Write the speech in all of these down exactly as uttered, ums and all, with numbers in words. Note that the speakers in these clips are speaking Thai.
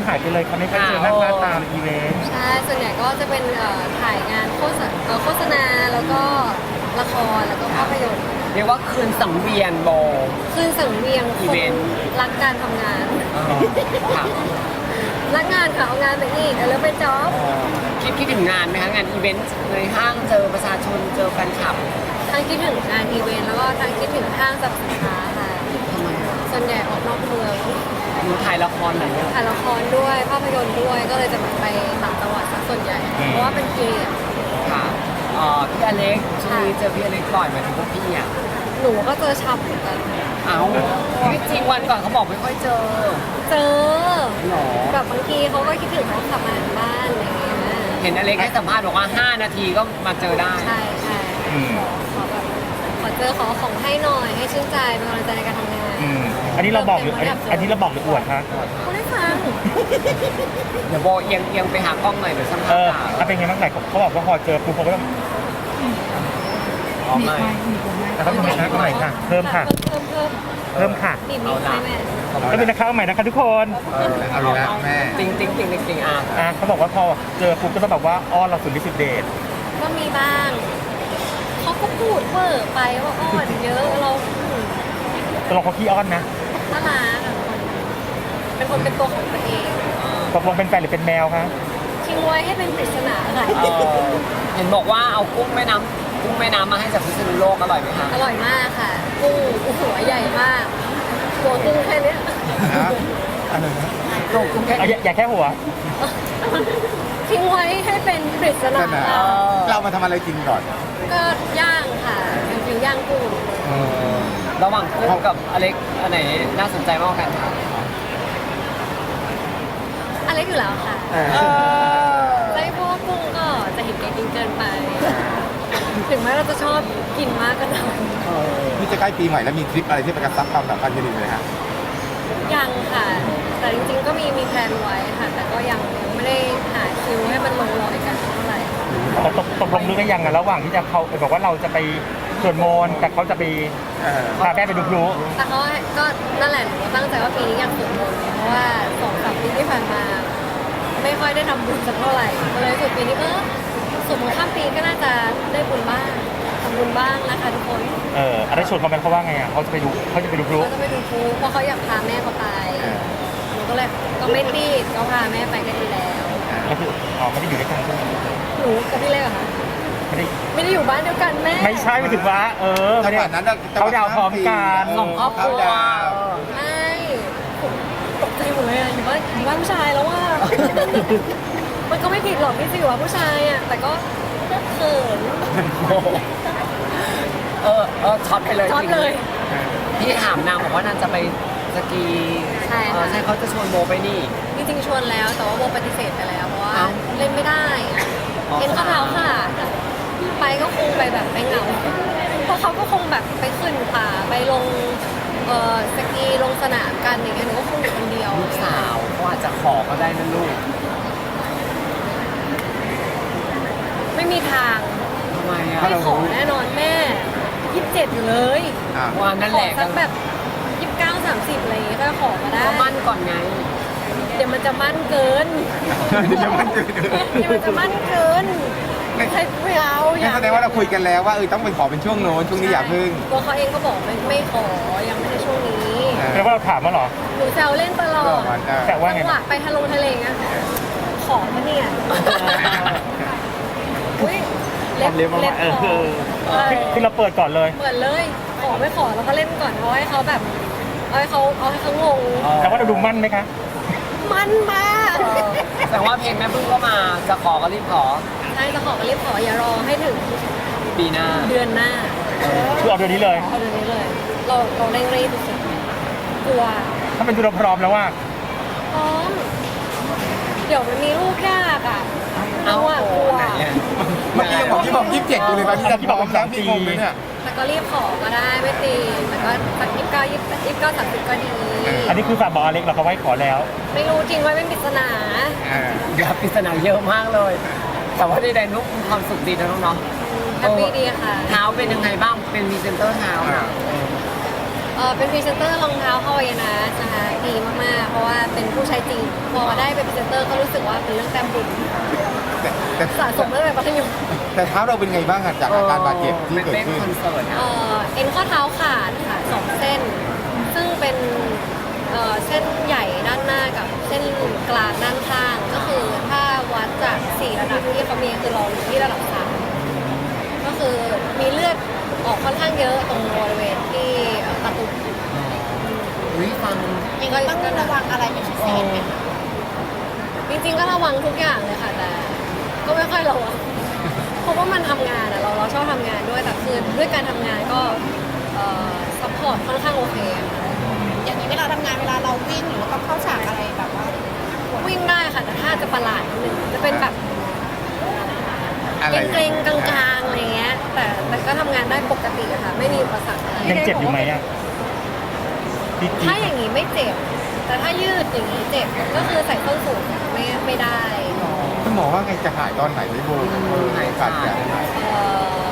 หายไปเลยเขาไม่ค่อยเจอหน้าค่าตามอีเวนต์ใช่ส่วนใหญ่ก็จะเป็นเอ่อถ่ายงานโฆษณาเอ่อโฆษณาแล้วก็ละครแล้วก็ภาพยนตร์เรียกว่าคืนสังเวียนโบขึ้นสังเวียงคอีนเวนต์รักการทำงานค่ะรักงานค่ะเอางานไปอีกแล้วไปจ็อบคิดคิดถึงงานไหมคะงานอีเวนต์ในห้างเจอประชาชนเจอแฟนคลับทั้งคิดถึงงานอีเวนต์แล้วก็ทั้งคิดถึงห้างสรรพสินค้าค่ะทำไมอะส่วนใหญ่ออกนอกเมืองหนูถ่ายละครไหนอะถ่ายละครด้วยภาพยนตร์ด้วยก็เลยจะแบบไปต่างจังหวัดซะส่วนใหญ่เพราะว่าเป็นเกียรติค่ะเอ่อพี่อเล็กช่วงนี้เจอพี่อเล็กบ่อยไหมถึงพวกพี่อ่ะหนูก็เจอชับเหมือนกันเอ้าไม่จริงวันก่อนเขาบอกไม่ค่อยเจอเจอหรอแบบบางทีเขาก็คิดถึงเขากลับมาบ้านอะไรอย่างเงี้ยเห็นอเล็กให้สัมภาษณ์บอกว่าห้านาทีก็มาเจอได้ใช่ใช่ขอขอแบบขอเจอขอของให้หน่อยให้ชื่นใจเป็นกำลังใจในการทำงานอืมอันนี้เราบอกหรืออันนี้อันนี้เราบอกหรืออวดคะคุณได้ฟังเดี๋ยวโบเอียงเอียงไปหากล้องหน่อยเดี๋ยวสัมภาเอษอณ์ถ้าเป็นไงบ้างไหนเขาบอกว่าพอเจอปุ๊บเขาก็ต้องอ๋อไม่แล้วก็ทำไมคะก็ใหม่ค่ะ เพิ่มค่ะเพิ่มเพิ่มเพิ่มค่ะบีบมีใช่ไหมก็เป็นนะคะเอาใหม่นะคะทุกคนเออเอาอีกแล้วแม่ติ๊งติ๊งติ๊งติ๊งติ๊งอ่ะอ่ะเขาบอกว่าพอเจอปุ๊บก็ต้องแบบว่าอ้อนเราสุดฤทธิ์สุดเดชก็มีบ้างเขาก็พูดเวอร์ไปว่าอ้อนเยอะเราอืมตกลงเขาขี้อ้อนนะน่ารักอะเป็นคนเป็นตัวของตัวเองตกลงเป็นแฟนหรือเป็นแมวคะทิ้งไว้ให้เป็นปริศนาค่ะเออเห็นบอกว่าเอากุ้งแม่น้ำกุ้งแม่น้ำมาให้จากพิษณุโลกอร่อยไหมคะอร่อยมากค่ะกุ้งหัวใหญ่มากหัวกุ้งแค่เนี้ยนะอะไรนะตัวกุ้งแค่เอาอย่าอย่าแค่หัวทิ้งไว้ให้เป็นปริศนาขนาดเรามาทำอะไรกินก่อนก็ย่างค่ะเป็นฟิวย่างกุ้งเออระหว่างกุ้งกับอเล็กอันไหนน่าสนใจมากกว่ากันคะอะไรอยู่แล้วค่ะเออไม่เพราะว่ากุ้งก็จะเห็นแก่กินเกินไป ถึงแม้เราจะชอบกินมากก็ตามนี่จะใกล้ปีใหม่แล้วมีทริปอะไรที่ไปกระซับความสัมพันธ์กันอีกไหมฮะยังค่ะ แต่จริงๆก็มีมีแพลนไว้ค่ะ แต่ก็ยังยังไม่ได้หาคิวให้มันลงรอยกันเท่าไหร่ตกตกตกลงนึกกันยังอะระหว่างที่จะเขาบอกว่าเราจะไปสวดมนต์แต่เขาจะไปเออพาแม่ไปดูพลุแต่เขาก็นั่นแหละหนูก็ตั้งใจว่าปีนี้อยากสวดมนต์เพราะว่าสองสามปีที่ผ่านมา ไม่ค่อยได้ทำบุญสักเท่าไหร่ก็เลยสุดปีนี้ก็สวดมนต์ข้ามปีก็น่าจะได้บุญบ้างทำบุญบ้างนะคะทุกคนเอออะไรชวนเขาไปเขาว่าไงอ่ะเขาจะไปดูเขาจะไปดูพลุเขาจะไปดูพลุเพราะเขาอยากพาแม่เขาไปหนูก็เลยก็ไม่รีบก็พาแม่ไปก็ดีแล้วก็คืออ๋อไม่ได้อยู่ด้วยกันใช่ไหมหนูกับพี่เล็กเหรอคะไม่ได้ไม่ได้อยู่บ้านเดียวกันแม่ไม่ใช่ไม่ถึงว่า เออจัไม่งหได้วะนั้นน่ะเขาดาวพร้อมกันสองครอบครัวเขาดาวไม่ตกใจหมดเลยอะอยู่บ้านอยู่บ้านผู้ชายแล้วว่า มันก็ไม่ผิดหรอกที่จะอยู่กับผู้ชายอ่ะแต่ก็เขินเออเออช็อตไปเลยช็อตเลยพี่ถามนางบอกว่านางจะไปสกีใช่ค่ะเออใช่เขาจะชวนโบไปนี่จริงๆชวนแล้วแต่ว่าโบปฏิเสธไปแล้วเพราะว่าเอ้าเล่นไม่ได้อะอ๋อเห็นข้อเท้าค่ะ ไปก็คงไปแบบไปเหงาเพราะเขาก็คงแบบไปขึ้นป่าไปลงเอ่อสกีลงสนามกันอย่างเงี้ยหนูก็คงอยู่คนเดียวลูกสาวเขาอาจจะขอก็ได้นะลูกไม่มีทางทำไมอ่ะไม่ขอแน่นอนแม่ยี่สิบเจ็ดอยู่เลยอ่ะว่านั่นขแหอละสักแบบยี่สิบเก้าสามสิบอะไรอย่างเงี้ยก็ขอมาได้ก็มั่นก่อนไงเดี๋ยวมันจะมั่นเกินยังไม่เจอเดี๋ยวมันจะมั่นเกินใครไม่เอาองั้นยากแสดงว่าเราคุยกันแล้วว่าเออต้องเป็นขอเป็นช่วงโน้นช่วงนี้อย่าพึ่งตัวเขาเองก็บอกไม่ไม่ขอยังไม่ใช่ช่วงนี้เออแปลว่าเราถามมาเหรอหนูแซวเล่นตลอก็ดมันได้แต่ว่าไงจังหวะไปทะลงทะเลเงี้ยขอมาเนี่ยอุ้ยเล็บเล็บมาเล็บเอขออคือคือเราเปิดก่อนเลยเหมือนเลย ขอไม่ขอแล้วก็เล่นก่อนเพราะให้เขาแบบเอาให้เขาเอาให้เขางงแต่ว่าเราดูมั่นไหมคะมันมากเออแต่ว่าเพลงแม่พึ่งก็มา จะขอก็รีบขอใช่จะขอก็รีบขออย่ารอให้ถึงปีหน้าเดือนหน้าคือเอาเดือนนี้เลยเอาเดือนนี้เลย เราเราเร่งรีบสุดๆกลัวถ้าเป็นดูเราพร้อมแล้วว่าพร้อม เดี๋ยวมันมีลูกยากอ่ะเอาอ่ะกลัวไหนอะเมื่อกี้ยังบอกที่บอกยี่สิบเจ็ดอยู่เลยตอนนี้จะพร้อมแล้วพี่งงเลยเนี่ยแต่ก็รีบขอก็ได้ไม่ตีแต่ก็สักยี่สิบเก้ายี่สิบเก้าสามสิบก็ดีอันนี้คือฝากบอกอเล็กเราเขาไว้ขอแล้วไม่รู้จริงไว้เป็นปริศนาเออเดี๋ยวปริศนาเยอะมากเลย แต่ว่าใดๆนุ๊กมีความสุขดีนะน้องเนาะแฮปปี้ดีค่ะเท้าเป็นยังไงบ้าง เป็นพรีเซนเตอร์เท้าอ่าอะเออเป็นพรีเซนเตอร์รองเท้าฮาวายนะนะคะดีมากๆ เพราะว่าเป็นผู้ใช้จริง พอได้เป็นพรีเซนเตอร์ก็รู้สึกว่าเป็นเรื่องแต้มบุญแต่แต่สะสมตั้งแต่มัธยมแต่เท้าเราเป็นไงบ้างอะจากอาการบาดเจ็บที่เป็นเกิดเต้นขึ้นคอนเสิร์ตเออะอเอ็นข้อเท้าขาดค่ะสองเส้น ซึ่งเป็นเอ่อเส้นใหญ่ด้านหน้ากับเส้นกลางด้านข้าง ก็คือถ้าวัดจากสี่ระดับที่เขามีคือเราอยู่ที่ระดับสามก็คือมีเลือดออกค่อนข้างเยอะตรงบริเวณที่ตะตุ่มอุ้ยฟังยังไงต้องระวังอะไรเป็นพิเศษไหมคะจริงๆก็ระวังทุกอย่างเลยค่ะแต่ก็ไม่ค่อยระวัง เพราะว่ามันทำงานอะเราเราชอบทำงานด้วยแต่คือด้วยการทำงานก็ซัพพอร์ตค่อนข้างโอเคอะค่ะอย่างนี้เวลาทำงานเวลาเราวิ่งหรือว่าต้องเข้าฉากอะไรแบบว่าวิ่งได้ค่ะแต่ถ้าจะประหลาดนิดนึงจะเป็นแบบอะไรเกรงๆกลางๆอะไรเงี้ยแต่แต่ก็ทำงานได้ปกติอะค่ะไม่มีอุปสรรคอะไรยังเจ็บอยู่ไหมอ่ะที่ถ้าอย่างนี้ไม่เจ็บ แต่ถ้ายืดอย่างนี้เจ็บก็คือใส่ส้นสูงไม่ไม่ได้คุณหมอว่าไงจะหายตอนไหนไม่บูหายขาดจะหายเอ่อ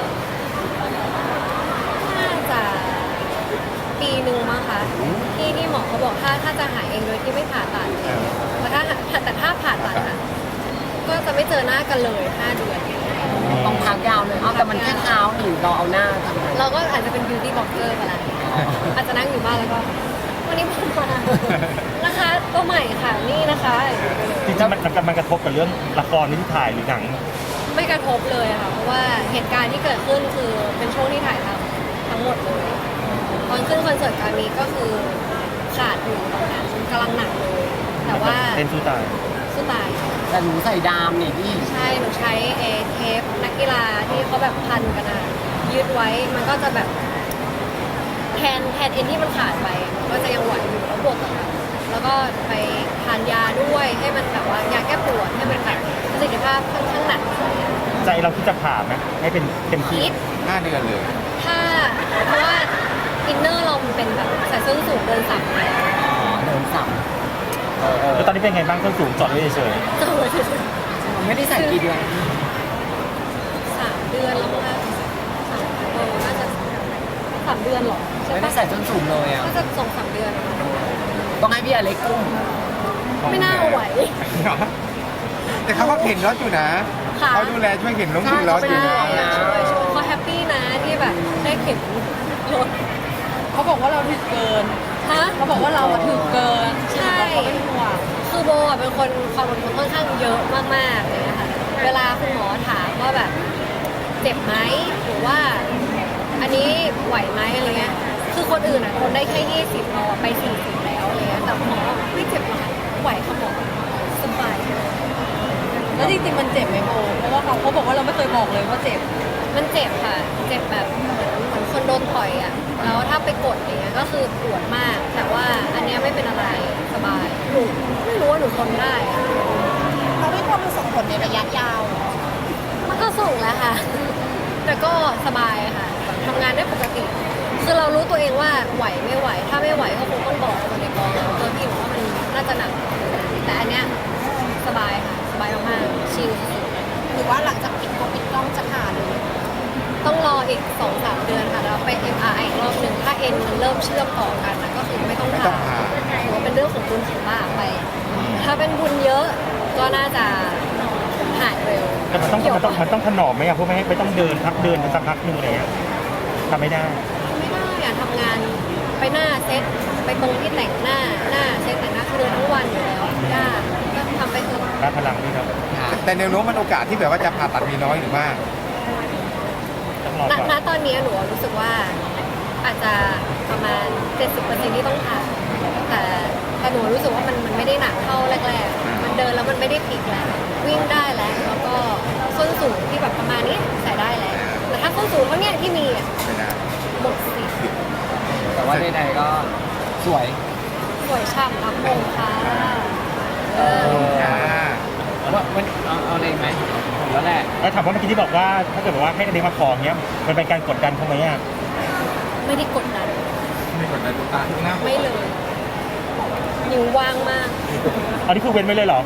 น่าจะปีหนึ่งมั้งคะที่ที่หมอเขาบอกถ้าถ้าจะหายเองโดยที่ไม่ผ่าตัดแต่ถ้าแต่ถ้าผ่าตัดอะก็จะไม่เจอหน้ากันเลยห้าเดือนต้องพักยาวเลยเอาแต่มันแค่เท้าหนิเราเอาหน้าทำไมเราก็อาจจะเป็น beauty blogger ไปแล้วอาจจะนั่งอยู่บ้านแล้วก็ วันนี้ผมมานะคะตัวใหม่ค่ะนี่นะคะจริงๆมันมันมันกระทบกับเรื่องละครที่ถ่ายหรือหนังไม่กระทบเลยค่ะเพราะว่าเหตุการณ์ที่เกิดขึ้นคือเป็นช่วงที่ถ่ายทำทั้งหมดเลยตอนขึ้นคอนเสิร์ตการมีก็คือขาดอยู่ตรงนั้นกำลังหนักเลย แต่ว่าเป็นสู้ตายสู้ตายค่ะแต่หนูใส่ดามนี่พี่ใช่หนูใช้เอเทปนักกีฬาที่เขาแบบพันกันอะยืดไว้มันก็จะแบบแทนแทนเอ็นที่มันขาดไปมันก็จะยังไหวอยู่แล้วบวกกับแล้วก็ไปทานยาด้วยให้มันแบบว่ายาแก้ปวดให้มันแบบประสิทธิภาพค่อนข้างหนักใจเราที่จะผ่าไหมให้เป็นเต็มที่คิดห้าเดือนเลยถ้าเพราะว่าอินเนอร์เรามันเป็นแบบใส่ส้นสูงเดินสับแล้วเดินสับแล้วตอนนี้เป็นไงบ้างต้นสูงจอดไว้เฉยมันไม่ได้ใส่กี่เดือนสามเดือนแล้วมั้งคะสามเออน่าจะสามเดือนหรอใช่ไม่ได้ปะใส่จนสูงเลยอ่ะน่าจะสองสามเดือนอะต้องให้พี่อเล็กกุ้มไม่น่าไหวแต่เขาก็เข็นรถอยู่นะค่ะเขาดูแลช่วยเข็นรถอยู่รถอยู่นะเขาแฮปปี้นะที่แบบได้เข็นรถเขาบอกว่าเราถึกเกินฮะเขาบอกว่าเราอะถึกเกินใช่เขาเป็นห่วงคือโบอ่ะเป็นคนความอดทนค่อนข้างเยอะมากๆเลยนะคะเวลาคุณหมอถามว่าแบบเจ็บไหมหรือว่า อันนี้ไหวไหมอะไรเงี้ยคือคนอื่นอ่ะทนได้แค่ยี่สิบเราอะไปสี่สิบแล้วอะไรเงี้ยแต่หมอไม่เจ็บหรอกค่ะไหวค่ะหมอสบายแล้วจริงๆมันเจ็บไหมโบเพราะว่าเขาเขาบอกว่าเราไม่เคยบอกเลยว่าเจ็บมันเจ็บค่ะ เจ็บแบบเหมือนเหมือนคนโดนต่อยอ่ะ แล้วถ้าไปกดอย่างเงี้ยก็คือปวดมาก แต่ว่าอันเนี้ยไม่เป็นอะไรสบาย หนูไม่รู้ว่าหนูทนได้อะเราไม่ควรมันส่งผลในระยะยาวมันก็ส่งแล้วค่ะ แต่ก็สบายค่ะทำงานได้ปกติ คือเรารู้ตัวเองว่าไหวไม่ไหว ถ้าไม่ไหวก็คงต้องบอกคนในกองแล้วตัวพี่บอกว่ามันน่าจะหนัก แต่อันเนี้ยสบายค่ะ สบายมากๆชิลสุดๆหรือว่าหลังจากปิดกล้องปิดกล้องจะผ่าเลยต้องรออีก สองสาม เดือนค่ะแล้วไป เอ็ม อาร์ ไอ อีกรอบหนึ่งถ้าเอ็นมันเริ่มเชื่อมต่อกันนะก็คือไม่ต้องไม่ต้ผ่าองผ่าถือว่าเป็นเรื่องของบุญของบาปไป ถ้าเป็นบุญเยอะก็น่าจะหายเร็วแต่มันต้องมันต้องมันต้องถนอมไหมอ่ะเพราะไม่ให้ไม่ต้องเดินพักเดินสักพักหนึงอะไรเงี้ยทำไม่ได้ไม่ได้อะทำงานไปหน้าเซ็ตไปตรงที่แต่งหน้าหน้าเซ็ตแต่งหน้าคือเดินทั้งวันอยู่แล้วยากก็ทำไปเถอะรับพลังนี่ครับแต่แนวโน้มมันโอกาสที่แบบว่าจะผ่าตัดมีน้อยหรือมากต้องรอณก่อนณตอนนี้หนูรู้สึกว่าอาจจะประมาณ เจ็ดสิบเปอร์เซ็นต์ ที่ต้องผ่าแต่แต่หนูรู้สึกว่ามันมันไม่ได้หนักเท่าแรกๆ มันเดินแล้วมันไม่ได้พลิกแล้ว วิ่งได้แล้ว แล้วก็ส้นสูงที่แบบประมาณนี้ใส่ได้แล้ว แต่ถ้าส้นสูงเท่าเนี้ยที่มีอ่ะไม่ได้หมดสิทธิ์แต่ว่าใดๆก็สวยสวยฉ่ำรับมงค่ะเอออ่าว่ามันเอาเอาอะไรไหมผมแล้วแหละแล้วถามว่าเมื่อกี้ที่บอกว่าถ้าเกิดบอกว่าให้อเด็กมาขอเงี้ยมันเป็นการกดดันเขาไหมอ่ะไม่ได้กดดันไม่กดดันตุ๊กตาทุกหน้าไม่เลยนิ้วว่างมากอันนี้คือเว้นไว้เลยเหรอ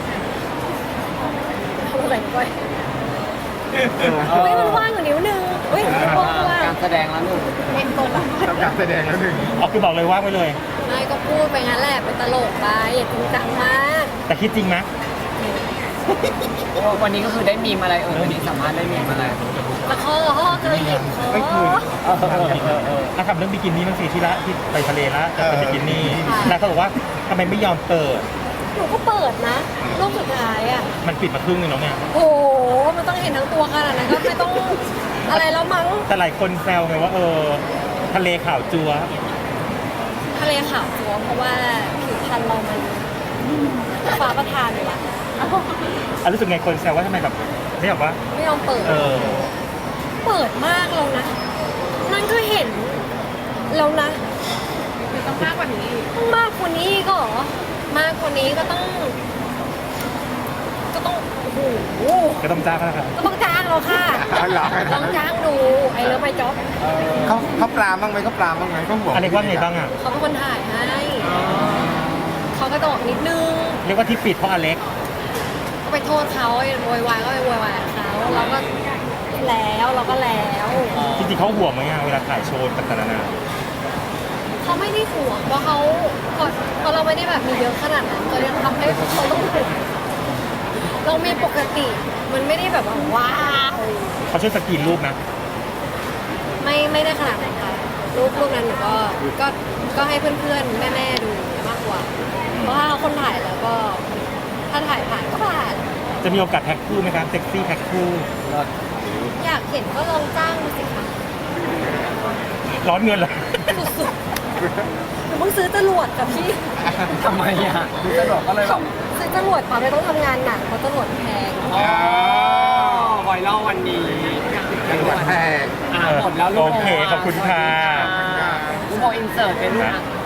ทำอะไรไปเฮ้ยมันว่างอยู่นิ้วนึงอุ้ยกลัวการแสดงแล้วลูกเอ็นตัวละทำการแสดงแล้วหนึ่งอ๋อคือบอกเลยว่างไว้เลยไม่ก็พูดไปงั้นแหละเป็นตลกไปอย่าจริงจังมากแต่คิดจริงไหมวันนี้ก็คือได้มีมอะไรเออวันนี้สัมภาษณ์ได้มีมอะไรแล้วคอห่อเคยเห็นคอไม่คืนถ้าทำเรื่องบิกินี่บางทีที่ละที่ไปทะเลละจะเป็นบิกินี่แล้วเขาบอกว่าทำไมไม่ยอมเปิดหนูก็เปิดนะรูปสุดท้ายอ่ะมันปิดมาครึ่งนึงแล้วเนี่ยโอ้โหมันต้องเห็นทั้งตัวขนาดนั้นก็ไม่ต้องอะไรแล้วมั้งแต่หลายคนแซวไงว่าเออทะเลขาวจัวทะเลขาวจัวเพราะว่าผิวพรรณเรามันฟ้าประทานอยู่ละอ่ะรู้สึกไงคนแซวว่าทำไมแบบไม่แบบว่าไม่ยอมเปิดเออเปิดมากแล้วนะนั่นก็เห็นแล้วนะต้องมากกว่านี้ต้องมากกว่านี้ก็เหรอมากกว่านี้ก็ต้อง ก็ต้องโอ้โหก็ต้องจ้างแล้วครับก็ต้องจ้างเราค่ะเอาเหรอต้องจ้างดูไอ้เลิฟไมจ็อบเขาเขาปรามบ้างไหมเขาปรามบ้างไหมเขาห่วงอะไรว่าไงบ้างอ่ะเขาเป็นคนถ่ายให้เขาก็ตอกนิดนึงเรียกว่าที่ปิดเพราะอเล็กก็ไปโทษเขาไอ้โวยวายก็ไปโวยวายกับเขาเราก็แล้วเราก็แล้วจริงๆเขาห่วงไหมอ่ะเวลาถ่ายโชว์ต่างๆนานาเขาไม่ได้ห่วงเพราะเขาเพราะเราไม่ได้แบบมีเยอะขนาดนั้นก็ยังทำให้เขาต้องห่วงเรามีปกติมันไม่ได้แบบว่าว้าวเขาช่วยสกรีนรูปนะไม่ไม่ได้ขนาดนั้นค่ะรูปรูปนั้นหนูก็ก็ก็ให้เพื่อนๆแม่ๆดูมากกว่า เพราะว่าคนถ่ายแล้วก็ ถ้าถ่ายผ่านก็ผ่านจะมีโอกาสแท็กคู่ไหมครับเซ็กซี่แท็กคู่อยากเห็นก็ลองจ้างมาสิคะร้อนเงินเหรอสุดๆหนูเพิ่งซื้อจรวดกับพี่ทำไมอ่ะดูกระโดดก็เลยแบบซื้อจรวดป่ะไม่ต้องทำงานหนักเพราะจรวดแพงอ๋อไวรัลวันนี้จังหวัดแพร่อ่าหมดแล้วลูกโอเคขอบคุณค่ะลูกโมอินเสิร์ตเป็นลูกอ่ะ